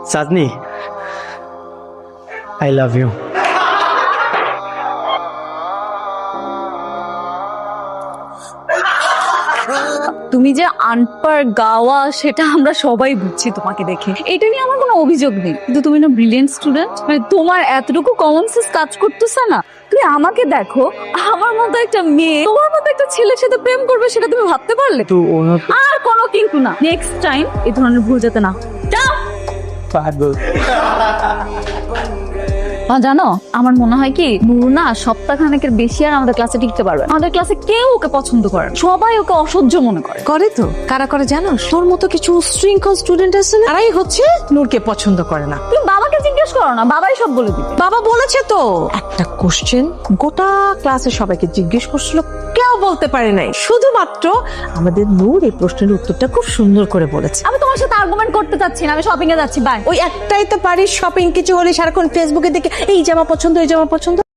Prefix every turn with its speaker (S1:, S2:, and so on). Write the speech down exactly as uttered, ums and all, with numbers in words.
S1: সাজনি, I love you.
S2: তুমি যে আনপার গাওয়া সেটা আমরা সবাই বুঝছি তোমাকে দেখে, এটা নিয়ে আমার কোনো অভিযোগ নেই, কিন্তু তুমি না ব্রিলিয়েন্ট স্টুডেন্ট, মানে তোমার এতটুকু কমন সেন্স কাজ করতেছে না। তুমি আমাকে দেখো, আমার মতো একটা মেয়ে তোমার মতো একটা ছেলের সাথে প্রেম করবে, সেটা তুমি ভাবতে পারলে?
S1: তো ওনা তো
S2: আর কোনো কিন্তু না, নেক্সট টাইম এই ধরনের ভুল যাতে না হয়। যাও।
S1: পাগল।
S2: মা জানো, আমার মনে হয় কি নূর না সপ্তাহখানেকের বেশি আর আমাদের ক্লাসে টিকতে পারবে না। আমাদের ক্লাসে কেউ ওকে পছন্দ করে না, সবাই ওকে অসহ্য মনে করে।
S3: করে তো, কারা করে জানো? তোর মতো কিছু উশৃঙ্খল স্টুডেন্ট আছে না, তারাই হচ্ছে নূরকে পছন্দ করে না।
S2: তুমি বাবাকে জিজ্ঞেস করো না, বাবাই সব বলে দিবে।
S3: বাবা বলেছে তো, একটা কোশ্চেন গোটা ক্লাসে সবাইকে জিজ্ঞেস করছিল, কেউ বলতে পারে নাই, শুধুমাত্র আমাদের নূর এই প্রশ্নের উত্তরটা খুব সুন্দর করে বলেছে।
S2: আমি তোমার সাথে আর্গুমেন্ট করতে চাচ্ছি না, আমি শপিং এ যাচ্ছি, বাই।
S3: ওই একটাই তো পারিস, শপিং কিছু হলে সারাক্ষণ ফেসবুকে দেখে এই জামা পছন্দ, এই জামা পছন্দ।